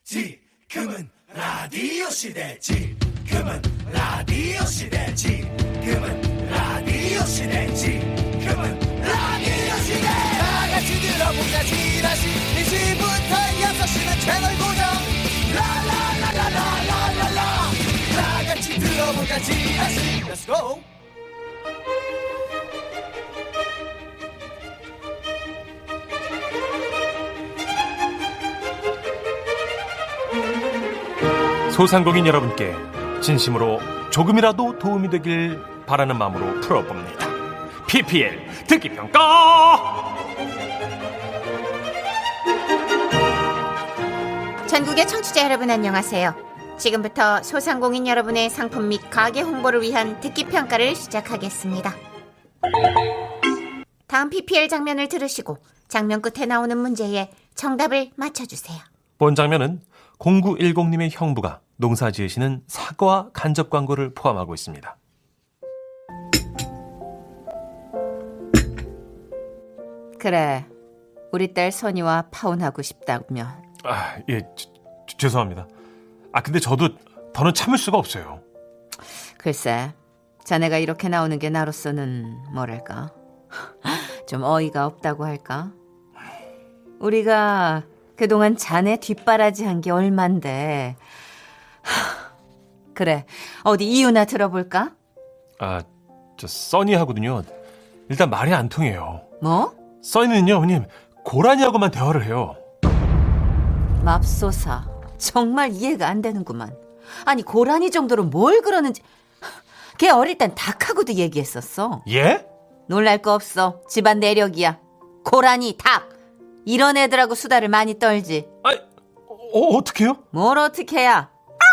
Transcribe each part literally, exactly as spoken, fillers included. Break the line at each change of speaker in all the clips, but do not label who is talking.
지금은 라디오 시대. 지금은 라디오 시대. 지금은 라디오 시대. 지금은 라디오 시대. 다 같이 들어보자. 지라시 이 시부터 여섯 시는 채널 고정. 라라라라라라라라. 다 같이 들어보자. 지라시. Let's go.
소상공인 여러분께 진심으로 조금이라도 도움이 되길 바라는 마음으로 풀어봅니다. 피피엘 듣기평가.
전국의 청취자 여러분 안녕하세요. 지금부터 소상공인 여러분의 상품 및 가게 홍보를 위한 듣기평가를 시작하겠습니다. 다음 피피엘 장면을 들으시고 장면 끝에 나오는 문제에 정답을 맞춰주세요.
본 장면은 공구일공님의 형부가 농사 지으시는 사과 간접 광고를 포함하고 있습니다.
그래, 우리 딸 선이와 파혼하고 싶다면.
아, 예, 저, 저, 죄송합니다. 아, 근데 저도 더는 참을 수가 없어요.
글쎄, 자네가 이렇게 나오는 게 나로서는 뭐랄까, 좀 어이가 없다고 할까? 우리가 그동안 자네 뒷바라지 한 게 얼만데. 그래, 어디 이유나 들어볼까?
아, 저 써니하거든요. 일단 말이 안 통해요.
뭐?
써니는요, 어머님, 고라니하고만 대화를 해요.
맙소사, 정말 이해가 안 되는구만. 아니, 고라니 정도로 뭘 그러는지. 걔 어릴 땐 닭하고도 얘기했었어.
예?
놀랄 거 없어. 집안 내력이야. 고라니, 닭, 이런 애들하고 수다를 많이 떨지.
아, 어, 어떡해요?
뭘 어떻게 해야?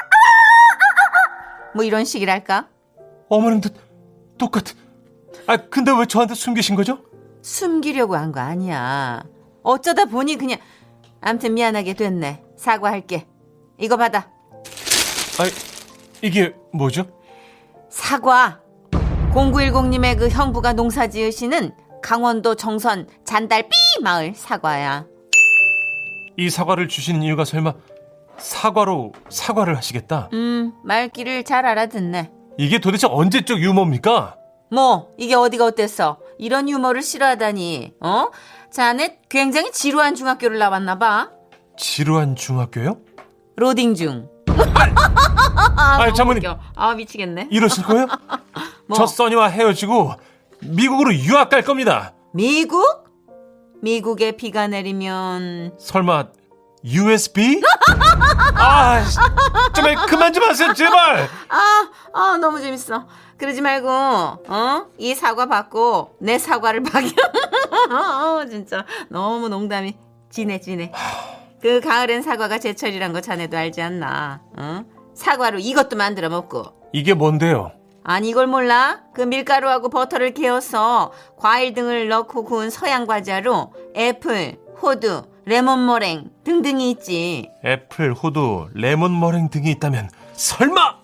뭐 이런 식이랄까?
어머님도 똑같은. 아, 근데 왜 저한테 숨기신 거죠?
숨기려고 한 거 아니야. 어쩌다 보니 그냥. 암튼 미안하게 됐네. 사과할게. 이거 받아.
아, 이게 뭐죠?
사과. 공구일공님의 그 형부가 농사 지으시는 강원도 정선 잔달삐 마을 사과야.
이 사과를 주시는 이유가 설마 사과로 사과를 하시겠다?
음, 말귀를 잘 알아듣네.
이게 도대체 언제적 유머입니까?
뭐 이게 어디가 어땠어? 이런 유머를 싫어하다니. 어? 자네 굉장히 지루한 중학교를 나왔나 봐.
지루한 중학교요?
로딩 중.
아,
너무
장모님.
웃겨. 아, 미치겠네.
이러실 거예요?
뭐?
저 써니와 헤어지고 미국으로 유학 갈 겁니다.
미국? 미국에 비가 내리면.
설마 유에스비? 아, 정말 그만 좀 하세요, 제발.
아, 아, 너무 재밌어. 그러지 말고, 어? 이 사과 받고 내 사과를 박여. 어, 진짜 너무 농담이 지네 지네. 그 가을엔 사과가 제철이란 거 자네도 알지 않나? 어? 사과로 이것도 만들어 먹고.
이게 뭔데요?
아니, 이걸 몰라? 그 밀가루하고 버터를 개어서 과일 등을 넣고 구운 서양 과자로 애플, 호두, 레몬 머랭 등등이 있지.
애플, 호두, 레몬 머랭 등이 있다면 설마?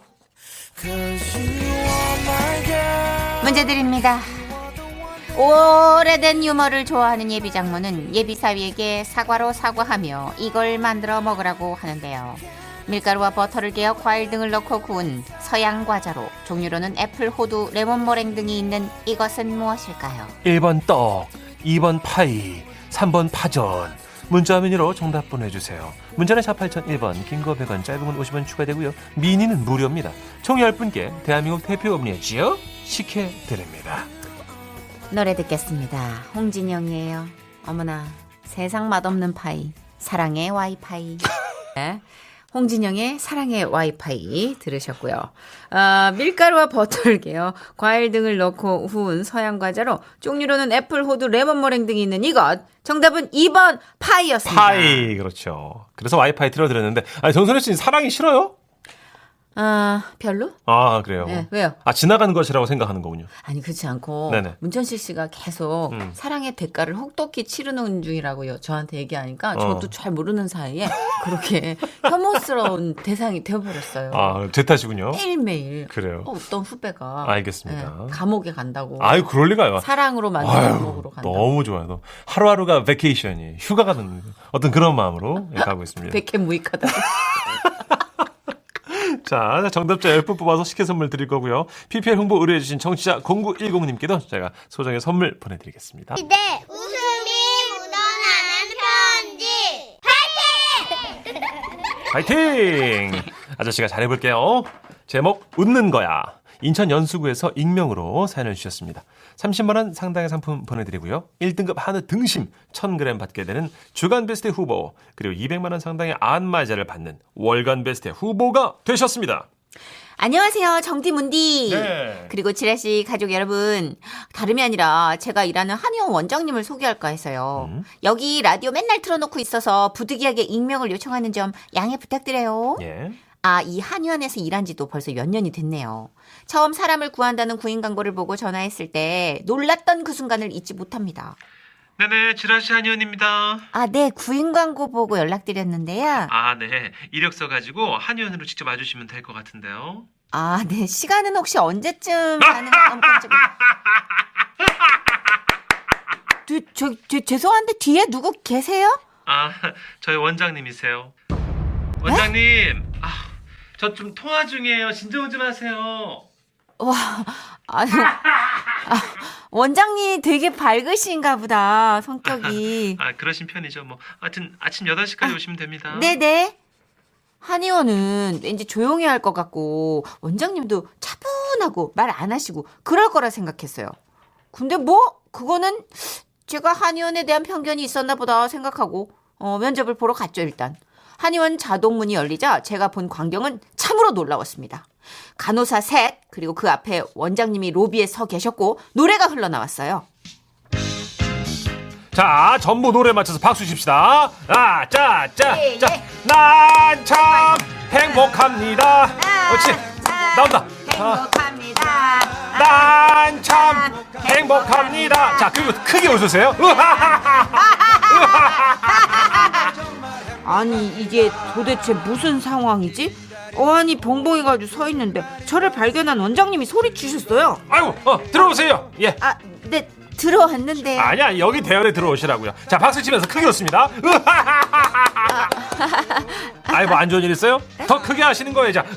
문제 드립니다. 오래된 유머를 좋아하는 예비 장모는 예비 사위에게 사과로 사과하며 이걸 만들어 먹으라고 하는데요. 밀가루와 버터를 개어 과일 등을 넣고 구운 서양 과자로 종류로는 애플, 호두, 레몬 머랭 등이 있는 이것은 무엇일까요?
일 번 떡, 이 번 파이, 삼 번 파전. 문자 메뉴로 정답 보내주세요. 문자는 샷 팔공공일 번, 긴 거 백 원, 짧은 건 오십 원 추가되고요. 미니는 무료입니다. 총 열 분께 대한민국 대표 음료지요 식혜드립니다.
노래 듣겠습니다. 홍진영이에요. 어머나, 세상 맛없는 파이, 사랑의 와이파이. 네. 홍진영의 사랑의 와이파이 들으셨고요. 아, 밀가루와 버터를 개어 과일 등을 넣고 구운 서양 과자로 종류로는 애플, 호두, 레몬 머랭 등이 있는 이것. 정답은 이 번 파이였습니다.
파이, 그렇죠. 그래서 와이파이 틀어드렸는데, 아니, 정선혜 씨는 사랑이 싫어요?
아, 별로?
아, 그래요?
네, 왜요?
아, 지나가는 것이라고 생각하는 거군요.
아니, 그렇지 않고
네네.
문천식 씨가 계속
음.
사랑의 대가를 혹독히 치르는 중이라고 저한테 얘기하니까
어.
저도 잘 모르는 사이에 그렇게 혐오스러운 대상이 되어버렸어요.
아, 제 탓이군요.
매일매일
그래요.
어떤 후배가
알겠습니다.
네, 감옥에 간다고.
아유, 그럴 리가요.
사랑으로 만든
아유,
감옥으로 간다고.
너무 좋아요. 너무. 하루하루가 베케이션이 휴가가 되는 어떤 그런 마음으로 예, 가고 있습니다.
백해 무익하다.
자, 정답자 열 분 뽑아서 식혜 선물 드릴 거고요. 피피엘 홍보 의뢰해주신 청취자 공구일공님께도 제가 소정의 선물 보내드리겠습니다.
네, 웃음이 묻어나는 편지.
파이팅! 아저씨가 잘해볼게요. 제목 웃는 거야. 인천 연수구에서 익명으로 사연을 주셨습니다. 삼십만 원 상당의 상품 보내드리고요. 일 등급 한우 등심 천 그램 받게 되는 주간 베스트 후보, 그리고 이백만 원 상당의 안마자를 받는 월간 베스트 후보가 되셨습니다.
안녕하세요, 정디문디.
네.
그리고 지라시 가족 여러분, 다름이 아니라 제가 일하는 한의원 원장님을 소개할까 해서요.
음.
여기 라디오 맨날 틀어놓고 있어서 부득이하게 익명을 요청하는 점 양해 부탁드려요.
예.
아, 이 한의원에서 일한 지도 벌써 몇 년이 됐네요. 처음 사람을 구한다는 구인 광고를 보고 전화했을 때 놀랐던 그 순간을 잊지 못합니다.
네네, 지라시 한의원입니다.
아, 네, 구인 광고 보고 연락드렸는데요.
아, 네. 이력서 가지고 한의원으로 직접 와주시면 될 것 같은데요.
아, 네, 시간은 혹시 언제쯤 가능한 건지. 저, 저, 저, 죄송한데 뒤에 누구 계세요?
아, 저희 원장님이세요. 원장님, 아, 저 좀 통화 중이에요. 진정 좀 하세요.
와, 아니, 아, 원장님 되게 밝으신가 보다, 성격이.
아, 그러신 편이죠. 뭐, 하여튼 아침 여덟 시까지 오시면 됩니다.
네네. 한의원은 왠지 조용히 할 것 같고, 원장님도 차분하고 말 안 하시고, 그럴 거라 생각했어요. 근데 뭐, 그거는 제가 한의원에 대한 편견이 있었나 보다 생각하고, 어, 면접을 보러 갔죠, 일단. 한의원 자동문이 열리자 제가 본 광경은 참으로 놀라웠습니다. 간호사 셋, 그리고 그 앞에 원장님이 로비에 서 계셨고 노래가 흘러나왔어요.
자, 전부 노래 맞춰서 박수 칩시다. 아, 짜, 짜,
예,
짜.
예.
난 참 행복합니다. 그렇지. 나온다.
행복합니다.
난 참 행복합니다. 자, 그리고 크게 웃으세요.
아니, 이게 도대체 무슨 상황이지? 어안이 벙벙해가지고 서 있는데 저를 발견한 원장님이 소리치셨어요.
아이고, 어, 들어오세요. 예.
아, 네, 들어왔는데.
아니야, 여기 대열에 들어오시라고요. 자, 박수 치면서 크게 웃습니다. 아이고, 안 좋은 일 있어요? 더 크게 하시는 거예요. 자.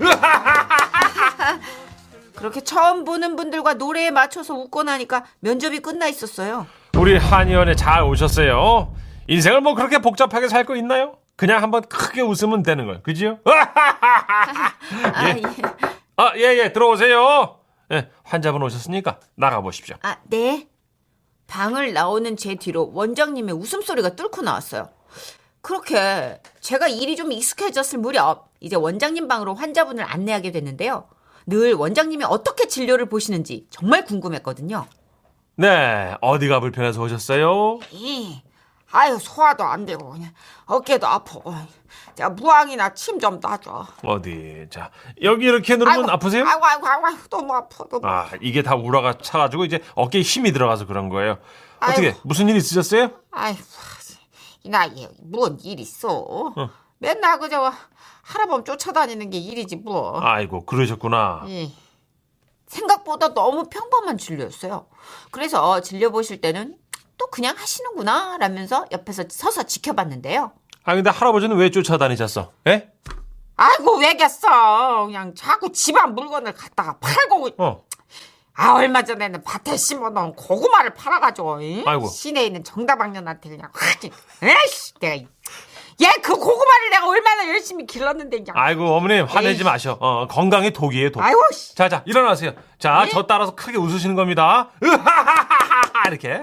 그렇게 처음 보는 분들과 노래에 맞춰서 웃고 나니까 면접이 끝나 있었어요.
우리 한의원에 잘 오셨어요. 인생을 뭐 그렇게 복잡하게 살 거 있나요? 그냥 한번 크게 웃으면 되는 거예요. 그지요?
아,
예.
예.
아, 예, 예, 들어오세요. 예, 환자분 오셨으니까 나가보십시오.
아, 네. 방을 나오는 제 뒤로 원장님의 웃음소리가 뚫고 나왔어요. 그렇게 제가 일이 좀 익숙해졌을 무렵 이제 원장님 방으로 환자분을 안내하게 됐는데요. 늘 원장님이 어떻게 진료를 보시는지 정말 궁금했거든요.
네, 어디가 불편해서 오셨어요?
이, 아유 소화도 안 되고 그냥 어깨도 아프고 자 무항이나 침 좀 놔줘.
어디? 자, 여기 이렇게 누르면 아프세요?
아이고 아이고 아이고 너무 아파 너무.
아, 이게 다 우라가 차가지고 이제 어깨에 힘이 들어가서 그런 거예요. 어떻게,
아이고.
무슨 일 있으셨어요?
아이고 이 나이에 뭔 일 있어? 맨날 그저 할아범 쫓아다니는 게 일이지 뭐.
아이고, 그러셨구나.
이,
생각보다 너무 평범한 진료였어요. 그래서 진료 보실 때는 또 그냥 하시는구나 라면서 옆에서 서서 지켜봤는데요.
아, 근데 할아버지는 왜 쫓아다니셨어? 예?
아이고 왜겠어? 그냥 자꾸 집안 물건을 갖다가 팔고.
어.
아 얼마 전에는 밭에 심어놓은 고구마를 팔아가지고 이?
아이고.
시내에 있는 정다방년한테 그냥 확 에이씨 내가 얘 그 고구마를 내가 얼마나 열심히 길렀는데 그냥.
아이고, 어머님, 화내지
에이.
마셔. 어, 건강이 독이에요, 독.
아이고 씨.
자, 자, 일어나세요. 자,
예?
저 따라서 크게 웃으시는 겁니다. 으하하하하 이렇게.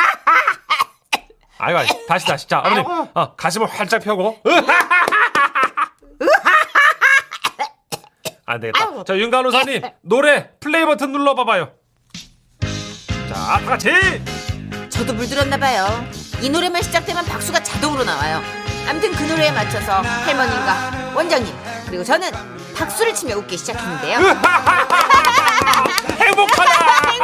아이고, 아이고, 다시, 다시. 자, 어머님,
아이고.
어, 가슴을 활짝 펴고. 안 되겠다.
아이고.
자, 윤 간호사님, 노래 플레이 버튼 눌러봐봐요. 자, 다 같이.
저도 물들었나 봐요. 이 노래만 시작되면 박수가 자동으로 나와요. 아무튼 그 노래에 맞춰서 할머님과 원장님 그리고 저는 박수를 치며 웃기 시작했는데요.
행복하다.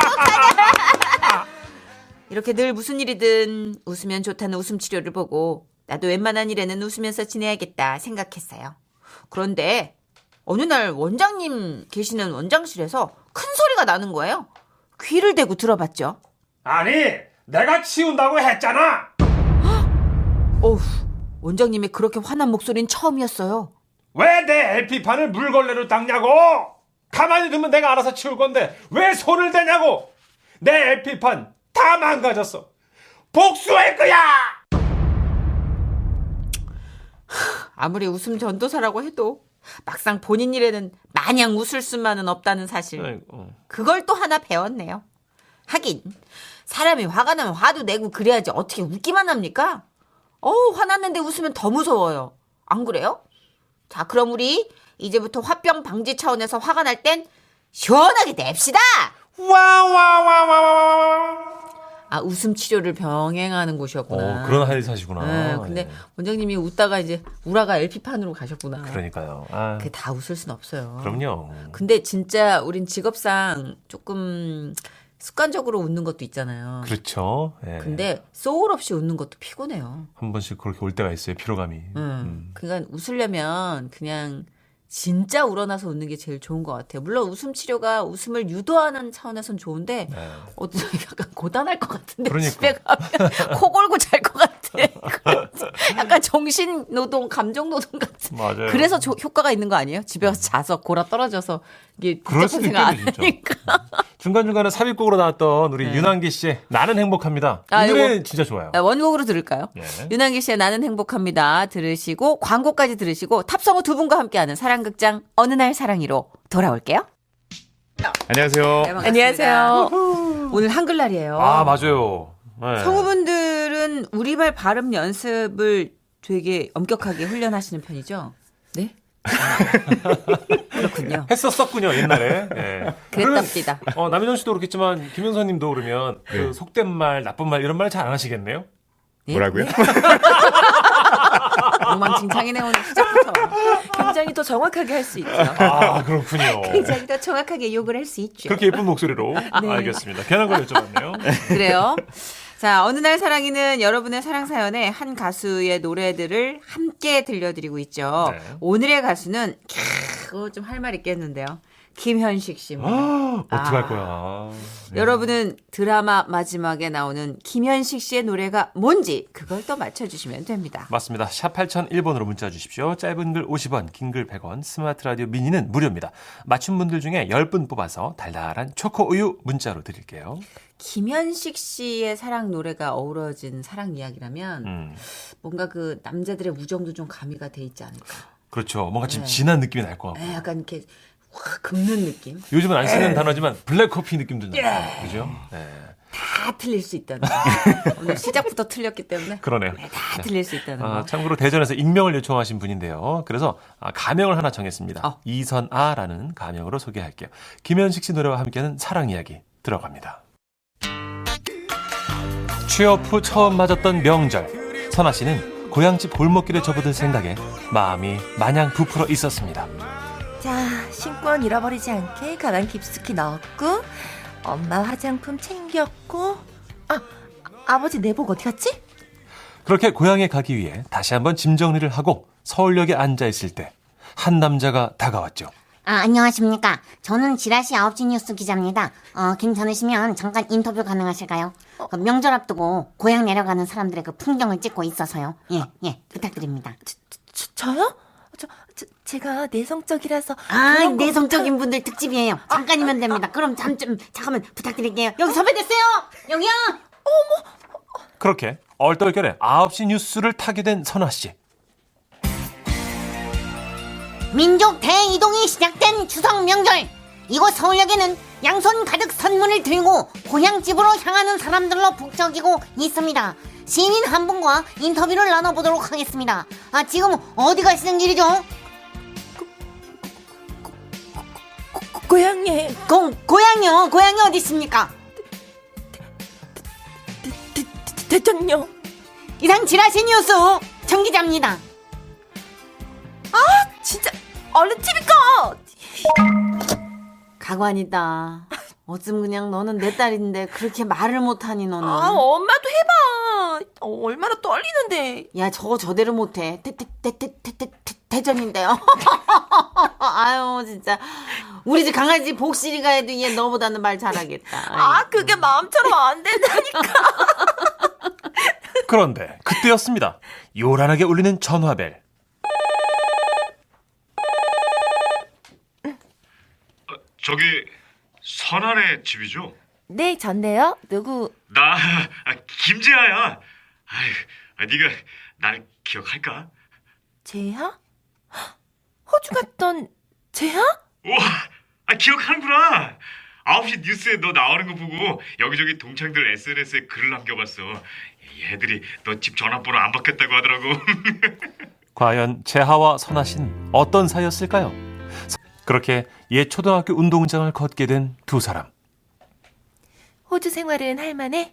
이렇게 늘 무슨 일이든 웃으면 좋다는 웃음 치료를 보고 나도 웬만한 일에는 웃으면서 지내야겠다 생각했어요. 그런데 어느 날 원장님 계시는 원장실에서 큰 소리가 나는 거예요. 귀를 대고 들어봤죠.
아니, 내가 치운다고 했잖아.
어후, 원장님의 그렇게 화난 목소리는 처음이었어요.
왜 내 엘피판을 물걸레로 닦냐고? 가만히 두면 내가 알아서 치울 건데 왜 손을 대냐고? 내 엘피판 다 망가졌어. 복수할 거야.
아무리 웃음 전도사라고 해도 막상 본인 일에는 마냥 웃을 수만은 없다는 사실.
아이고.
그걸 또 하나 배웠네요. 하긴 사람이 화가 나면 화도 내고 그래야지 어떻게 웃기만 합니까? 어우, 화났는데 웃으면 더 무서워요. 안 그래요? 자, 그럼 우리 이제부터 화병 방지 차원에서 화가 날 땐 시원하게 냅시다.
와와와와와.
아, 웃음 치료를 병행하는 곳이었구나.
어, 그런 한의사시구나.
네, 근데
네.
원장님이 웃다가 이제 우라가 엘피판으로 가셨구나.
그러니까요. 아,
그게 다 웃을 순 없어요.
그럼요.
근데 진짜 우린 직업상 조금 습관적으로 웃는 것도 있잖아요.
그렇죠. 예.
근데 소울 없이 웃는 것도 피곤해요.
한 번씩 그렇게 올 때가 있어요. 피로감이.
음.
음.
그러니까 웃으려면 그냥 진짜 우러나서 웃는 게 제일 좋은 것 같아요. 물론 웃음 치료가 웃음을 유도하는 차원에선 좋은데
네.
어, 약간 고단할 것 같은데
그러니까.
집에 가면 코 골고 잘 것 같아. 약간 정신 노동, 감정 노동 같은.
맞아요.
그래서 조, 효과가 있는 거 아니에요? 집에 가서 자서 골아 떨어져서 이게
그럴
복잡한
수도
생각 안
있겠네, 진짜.
하니까.
중간중간에 삽입곡으로 나왔던 우리
네.
윤한기 씨의 나는 행복합니다.
아,
이 노래
이거-
진짜 좋아요.
아, 원곡으로 들을까요?
예.
윤한기 씨의 나는 행복합니다 들으시고 광고까지 들으시고 탑성우 두 분과 함께하는 사랑극장 어느 날 사랑이로 돌아올게요.
안녕하세요.
네, 안녕하세요. 오늘 한글날이에요.
아, 맞아요. 네.
성우분들은 우리말 발음 연습을 되게 엄격하게 훈련하시는 편이죠? 네? 그렇군요.
했었었군요, 옛날에. 예. 그러면,
그랬답니다.
어, 남희정 씨도 그렇겠지만 김현선 님도 그러면 그
네.
속된 말, 나쁜 말 이런 말 잘 안 하시겠네요?
예?
뭐라고요?
엉망진창이네 오늘 시작부터. 굉장히 더 정확하게 할 수 있죠.
아, 그렇군요.
굉장히 더 정확하게 욕을 할 수 있죠.
그렇게 예쁜 목소리로.
네.
알겠습니다. 괜한 걸 여쭤봤네요.
그래요. 자, 어느 날 사랑이는 여러분의 사랑 사연에 한 가수의 노래들을 함께 들려드리고 있죠.
네.
오늘의 가수는 캬, 좀 할 말 있겠는데요. 김현식 씨입니다.
아, 어떡할
아.
거야. 네.
여러분은 드라마 마지막에 나오는 김현식 씨의 노래가 뭔지 그걸 또 맞춰주시면 됩니다.
맞습니다. 샵 팔공공일 번으로 문자 주십시오. 짧은 글 오십 원, 긴 글 백 원, 스마트 라디오 미니는 무료입니다. 맞춘 분들 중에 십 분 뽑아서 달달한 초코 우유 문자로 드릴게요.
김현식 씨의 사랑 노래가 어우러진 사랑 이야기라면
음,
뭔가 그 남자들의 우정도 좀 가미가 돼 있지 않을까.
그렇죠. 뭔가 좀
네.
진한 느낌이 날 것 같고.
에, 약간 이렇게 확 긁는 느낌.
요즘은 안 쓰는 단어지만 블랙커피 느낌도 나요. 그죠? 네.
다 틀릴 수 있다는 거. 오늘 시작부터 틀렸기 때문에
그러네요.
다 틀릴 수 있다는
아,
거.
참고로 대전에서 익명을 요청하신 분인데요. 그래서 아, 가명을 하나 정했습니다.
어.
이선아라는 가명으로 소개할게요. 김현식 씨 노래와 함께하는 사랑 이야기 들어갑니다. 취업 후 처음 맞았던 명절, 선아 씨는 고향집 골목길에 접어들 생각에 마음이 마냥 부풀어 있었습니다.
자, 신권 잃어버리지 않게 가방 깊숙이 넣었고 엄마 화장품 챙겼고 아, 아버지 내복 어디 갔지?
그렇게 고향에 가기 위해 다시 한번 짐 정리를 하고 서울역에 앉아 있을 때 한 남자가 다가왔죠.
아, 안녕하십니까. 저는 지라시 아홉 시 뉴스 기자입니다. 어, 괜찮으시면 잠깐 인터뷰 가능하실까요? 그 명절 앞두고 고향 내려가는 사람들의 그 풍경을 찍고 있어서요. 예, 예, 부탁드립니다.
저, 저요? 저, 저 제가 내성적이라서
아,
그런 거
내성적인 분들 특집이에요. 잠깐이면 됩니다. 그럼 잠 좀 잠깐만 부탁드릴게요. 여기 섭외됐어요. 여기요.
그렇게 얼떨결에 아홉 시 뉴스를 타게 된 선아 씨.
민족 대이동이 시작된 추석 명절. 이곳 서울역에는 양손 가득 선물을 들고 고향집으로 향하는 사람들로 북적이고 있습니다. 시민 한 분과 인터뷰를 나눠보도록 하겠습니다. 아, 지금 어디 가시는 길이죠?
고, 고향에
고, 고향이요? 고향이 어디 있습니까?
대, 대, 대, 대통령
이상 지라시 뉴스 정 기자입니다.
진짜 얼른 티비 꺼!
가관이다. 어쩜 그냥 너는 내 딸인데 그렇게 말을 못하니 너는.
아, 엄마도 해봐. 어, 얼마나 떨리는데.
야, 저거 저대로 못해. 태, 태, 태, 태, 태, 태, 태, 태전인데요. 아유, 진짜. 우리 집 강아지 복실이가 해도 얘 너보다는 말 잘하겠다.
아, 그게 마음처럼 안 된다니까.
그런데 그때였습니다. 요란하게 울리는 전화벨.
저기 선아네 집이죠?
네, 전데요. 누구?
나 아, 김재하야. 아이, 아, 네가 날 기억할까?
재하? 호주 갔던 재하?
우와, 아, 기억하는구나. 아홉 시 뉴스에 너 나오는 거 보고 여기저기 동창들 에스엔에스에 글을 남겨봤어. 얘들이 너 집 전화번호 안 바뀌었다고 하더라고.
과연 재하와 선아 씨는 어떤 사이였을까요? 그렇게 옛 초등학교 운동장을 걷게 된 두 사람.
호주 생활은 할만해?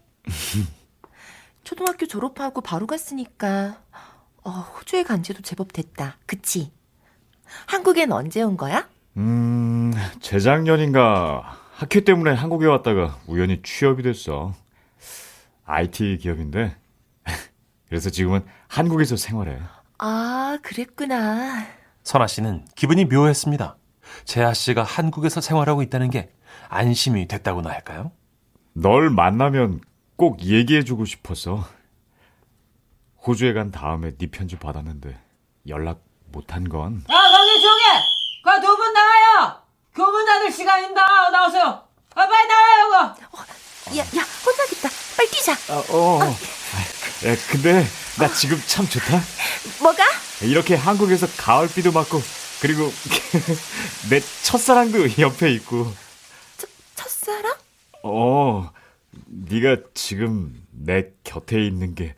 초등학교 졸업하고 바로 갔으니까 어, 호주에 간 지도 제법 됐다. 그치? 한국엔 언제 온 거야?
음, 재작년인가 학회 때문에 한국에 왔다가 우연히 취업이 됐어. 아이티 기업인데 그래서 지금은 한국에서 생활해.
아, 그랬구나.
선아 씨는 기분이 묘했습니다. 재하 씨가 한국에서 생활하고 있다는 게 안심이 됐다고나 할까요?
널 만나면 꼭 얘기해주고 싶어서. 호주에 간 다음에 네 편지 받았는데 연락 못한 건.
야, 거기 조용해. 그 두 분 나가요. 교문 닫을 시간입니다. 나오세요. 아, 빨리 나가요, 이거.
야, 야, 혼나겠다. 빨리 뛰자.
아, 어. 아, 야, 근데 나 지금 참 좋다.
뭐가?
이렇게 한국에서 가을비도 맞고 그리고 내 첫사랑도 옆에 있고.
첫, 첫사랑?
어, 네가 지금 내 곁에 있는 게.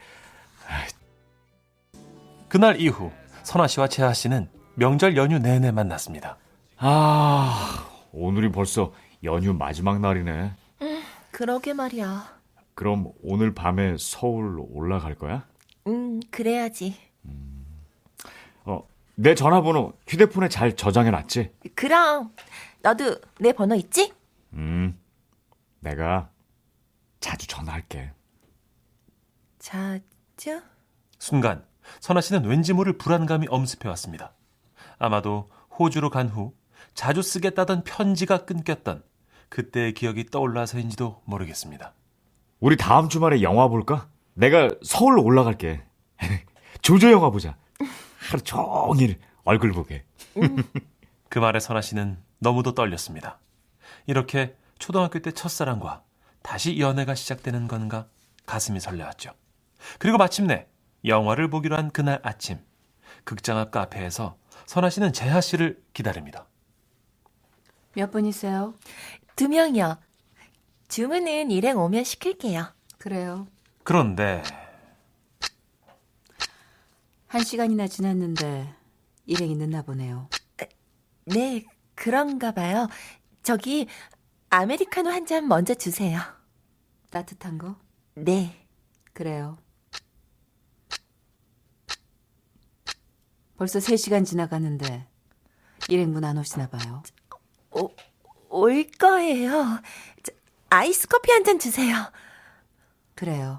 그날 이후 선아 씨와 재하 씨는 명절 연휴 내내 만났습니다.
아, 오늘이 벌써 연휴 마지막 날이네.
그러게 말이야.
그럼 오늘 밤에 서울 올라갈 거야?
음, 그래야지.
어, 내 전화번호 휴대폰에 잘 저장해놨지?
그럼 너도 내 번호 있지?
음, 내가 자주 전화할게.
자주?
순간 선아 씨는 왠지 모를 불안감이 엄습해왔습니다. 아마도 호주로 간 후 자주 쓰겠다던 편지가 끊겼던 그때의 기억이 떠올라서인지도 모르겠습니다.
우리 다음 주말에 영화 볼까? 내가 서울로 올라갈게. 조조 영화 보자. 하루 종일 얼굴 보게.
그 말에 선아 씨는 너무도 떨렸습니다. 이렇게 초등학교 때 첫사랑과 다시 연애가 시작되는 건가 가슴이 설레었죠. 그리고 마침내 영화를 보기로 한 그날 아침, 극장 앞 카페에서 선아 씨는 재하 씨를 기다립니다.
몇 분이세요?
두 명이요. 주문은 일행 오면 시킬게요.
그래요.
그런데
한 시간이나 지났는데 일행이 늦나 보네요.
네, 그런가 봐요. 저기 아메리카노 한 잔 먼저 주세요.
따뜻한 거?
네.
그래요. 벌써 세 시간 지나가는데 일행분 안 오시나 봐요.
오, 올 거예요. 저, 아이스 커피 한 잔 주세요.
그래요.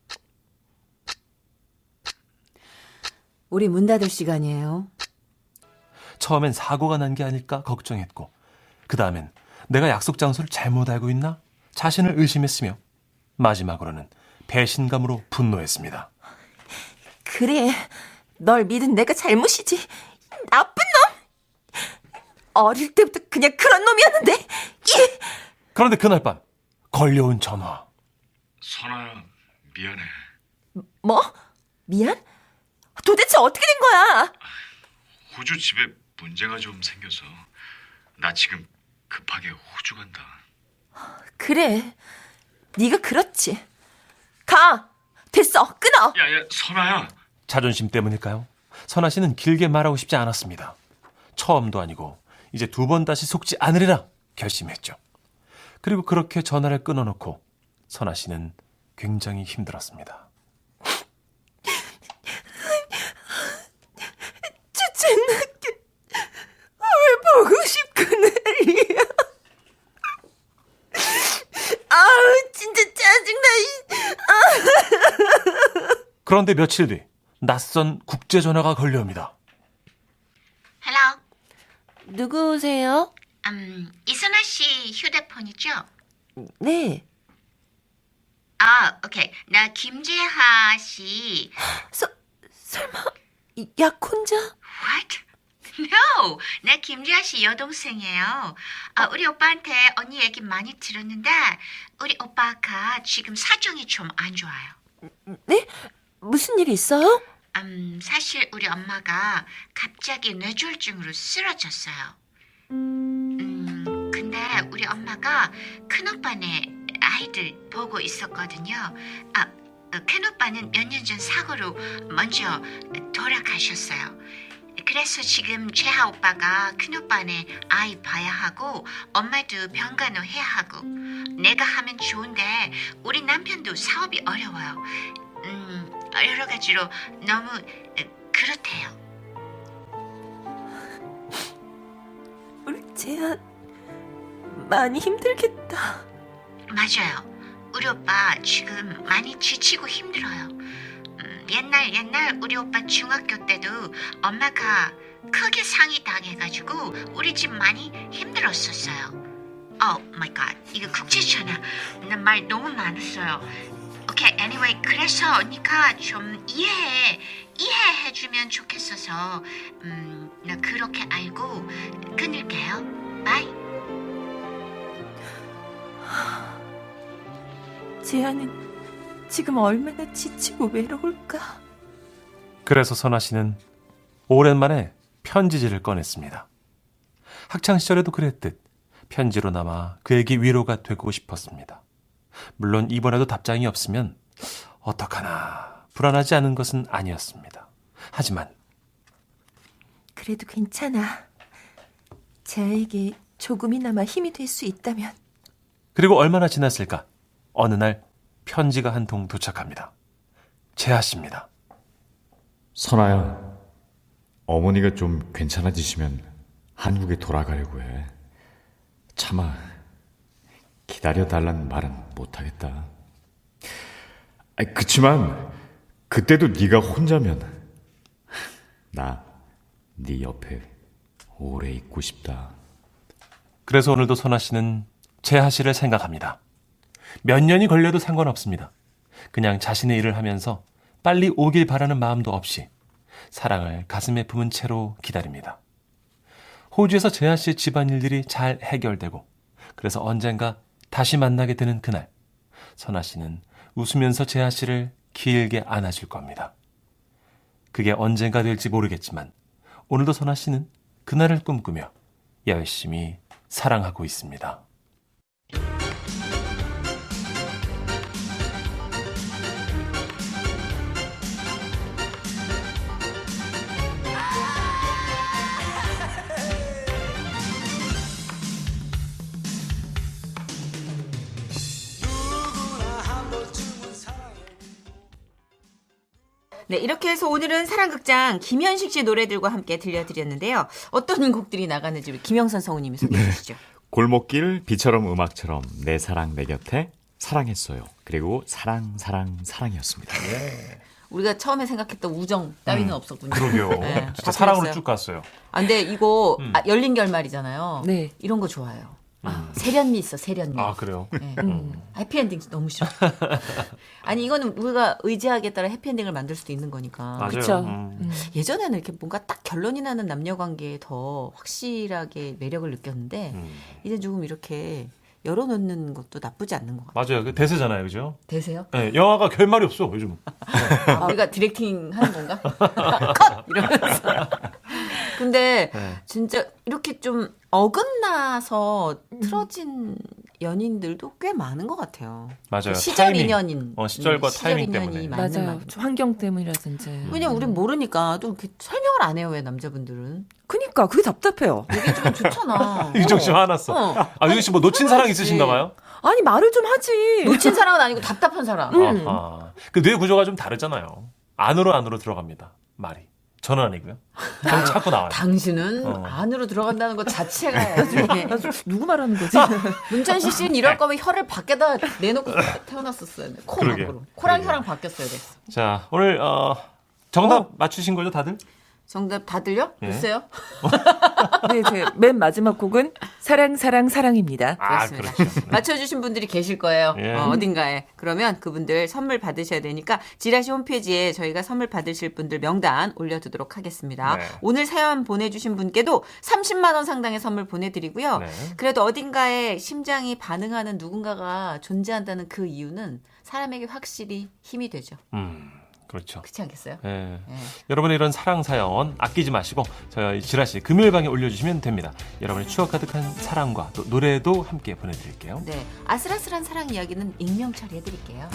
우리 문 닫을 시간이에요.
처음엔 사고가 난 게 아닐까 걱정했고 그 다음엔 내가 약속 장소를 잘못 알고 있나 자신을 의심했으며 마지막으로는 배신감으로 분노했습니다.
그래, 널 믿은 내가 잘못이지. 나쁜 놈! 어릴 때부터 그냥 그런 놈이었는데. 이!
그런데 그날 밤 걸려온 전화.
선아야, 미안해.
뭐? 미안? 도대체 어떻게 된 거야?
호주 집에 문제가 좀 생겨서 나 지금 급하게 호주 간다.
그래, 네가 그렇지. 가! 됐어, 끊어!
야야, 선아야.
자존심 때문일까요? 선아 씨는 길게 말하고 싶지 않았습니다. 처음도 아니고 이제 두 번 다시 속지 않으리라 결심했죠. 그리고 그렇게 전화를 끊어놓고 선아 씨는 굉장히 힘들었습니다.
주책나게 왜 보고 싶구나.
그런데 며칠 뒤 낯선 국제 전화가 걸려옵니다.
헬로.
누구세요?
음, 이선아 씨 휴대폰이죠?
네.
아, 오케이. 나 김재하 씨.
서, 설마 이- 약혼자?
What? No, 나 김재하 씨 여동생이에요. 아, 우리 오빠한테 언니 얘기 많이 들었는데 우리 오빠가 지금 사정이 좀 안 좋아요.
네? 무슨 일 있어요?
음, 사실 우리 엄마가 갑자기 뇌졸중으로 쓰러졌어요. 음, 근데 우리 엄마가 큰오빠네 아이들 보고 있었거든요. 아, 큰오빠는 몇 년 전 사고로 먼저 돌아가셨어요. 그래서 지금 재하 오빠가 큰오빠네 아이 봐야 하고 엄마도 병간호 해야 하고 내가 하면 좋은데 우리 남편도 사업이 어려워요. 음, 여러 가지로 너무 그렇대요.
우리 재한 많이 힘들겠다.
맞아요. 우리 오빠 지금 많이 지치고 힘들어요. 음, 옛날 옛날 우리 오빠 중학교 때도 엄마가 크게 상이 당해가지고 우리 집 많이 힘들었었어요. 오 마이 갓, 이거 국제전화. 나 말 너무 많았어요. 오케이, anyway, 그래서 언니가 좀 이해해, 이해해주면 좋겠어서 음, 나 그렇게 알고 끊을게요. 바이.
재한은 지금 얼마나 지치고 외로울까?
그래서 선아 씨는 오랜만에 편지지를 꺼냈습니다. 학창 시절에도 그랬듯 편지로 남아 그에게 위로가 되고 싶었습니다. 물론 이번에도 답장이 없으면 어떡하나 불안하지 않은 것은 아니었습니다. 하지만
그래도 괜찮아. 재한에게 조금이나마 힘이 될 수 있다면.
그리고 얼마나 지났을까? 어느 날 편지가 한 통 도착합니다. 재하 씨입니다.
선아야, 어머니가 좀 괜찮아지시면 한국에 돌아가려고 해. 차마 기다려달라는 말은 못하겠다. 아이, 그치만 그때도 네가 혼자면 나 네 옆에 오래 있고 싶다.
그래서 오늘도 선아 씨는 재하 씨를 생각합니다. 몇 년이 걸려도 상관없습니다. 그냥 자신의 일을 하면서 빨리 오길 바라는 마음도 없이 사랑을 가슴에 품은 채로 기다립니다. 호주에서 재하 씨의 집안일들이 잘 해결되고 그래서 언젠가 다시 만나게 되는 그날, 선아 씨는 웃으면서 재하 씨를 길게 안아줄 겁니다. 그게 언젠가 될지 모르겠지만 오늘도 선아 씨는 그날을 꿈꾸며 열심히 사랑하고 있습니다.
네, 이렇게 해서 오늘은 사랑극장 김현식 씨 노래들과 함께 들려드렸는데요. 어떤 곡들이 나가는지 우리 김영선 성우님이 소개해 주시죠.
골목길 비처럼 음악처럼 내 사랑 내 곁에 사랑했어요. 그리고 사랑 사랑 사랑이었습니다.
우리가 처음에 생각했던 우정 따위는
음,
없었군요.
그러게요.
네,
진짜
다
사랑으로
틀렸어요.
쭉 갔어요.
아, 근데 이거
음.
아, 열린 결말이잖아요.
네.
이런 거 좋아요. 아, 세련미 있어, 세련미.
아, 그래요?
네. 해피엔딩 너무 싫어. 아니, 이거는 우리가 의지하기에 따라 해피엔딩을 만들 수도 있는 거니까.
맞아요.
그쵸.
음.
예전에는 이렇게 뭔가 딱 결론이 나는 남녀 관계에 더 확실하게 매력을 느꼈는데,
음.
이제 조금 이렇게 열어놓는 것도 나쁘지 않는 것 같아요.
맞아요. 그 대세잖아요. 그죠?
되세요?
네, 영화가 결말이 없어, 요즘.
아, 우리가 디렉팅 하는 건가? 컷! 이러면서. 근데
네.
진짜 이렇게 좀 어긋나서 틀어진 연인들도 꽤 많은 것 같아요.
맞아요.
시절
타이밍.
인연인.
어, 시절과
음, 시절
타이밍
인연이
때문에.
맞는
맞아요.
말.
좀 환경 때문이라든지.
왜냐면 우린 모르니까 또 이렇게 설명을 안 해요, 왜 남자분들은.
그니까 그게 답답해요.
얘기해주면 좋잖아.
유정 씨 화났어.
어.
아, 유정 씨 뭐 놓친 사랑 있으신가 봐요?
아니 말을 좀 하지.
놓친 사람은 아니고 답답한 사람.
아하. 그 뇌 구조가 좀 다르잖아요. 안으로 안으로 들어갑니다. 말이. 저는 아니고요. 저는 자꾸 나와요.
당신은
어.
안으로 들어간다는 것 자체가 아주
누구 말하는 거지?
문천식 씨는 이럴 거면 혀를 밖에다 내놓고 태어났었어요. 코
그러게요.
밖으로. 코랑
그러게요.
혀랑 바뀌었어야 됐어.
자, 오늘 어, 정답 맞추신 거죠, 다들?
정답 다 들려?
예.
글쎄요.
네, 제 맨 마지막 곡은 사랑 사랑 사랑입니다.
아,
그렇습니다.
그렇죠. 네.
맞춰주신 분들이 계실 거예요.
예.
어, 어딘가에. 그러면 그분들 선물 받으셔야 되니까 지라시 홈페이지에 저희가 선물 받으실 분들 명단 올려두도록 하겠습니다.
네.
오늘 사연 보내주신 분께도 삼십만 원 상당의 선물 보내드리고요.
네.
그래도 어딘가에 심장이 반응하는 누군가가 존재한다는 그 이유는 사람에게 확실히 힘이 되죠.
음, 그렇죠.
그렇지 않겠어요?
예.
예.
여러분의 이런 사랑 사연 아끼지 마시고 저희 지라시 금요일방에 올려주시면 됩니다. 여러분의 추억 가득한 사랑과 또 노래도 함께 보내드릴게요.
네, 아슬아슬한 사랑 이야기는 익명 처리해드릴게요.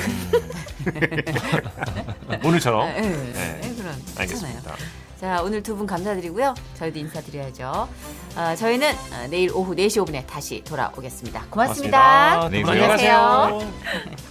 오늘처럼.
예, 예,
네.
예, 그럼
알겠습니다.
괜찮아요. 자, 오늘 두 분 감사드리고요. 저희도 인사드려야죠. 어, 저희는 어, 내일 오후 네 시 오 분에 다시 돌아오겠습니다. 고맙습니다.
고맙습니다.
안녕히
안녕히
계세요.
가세요.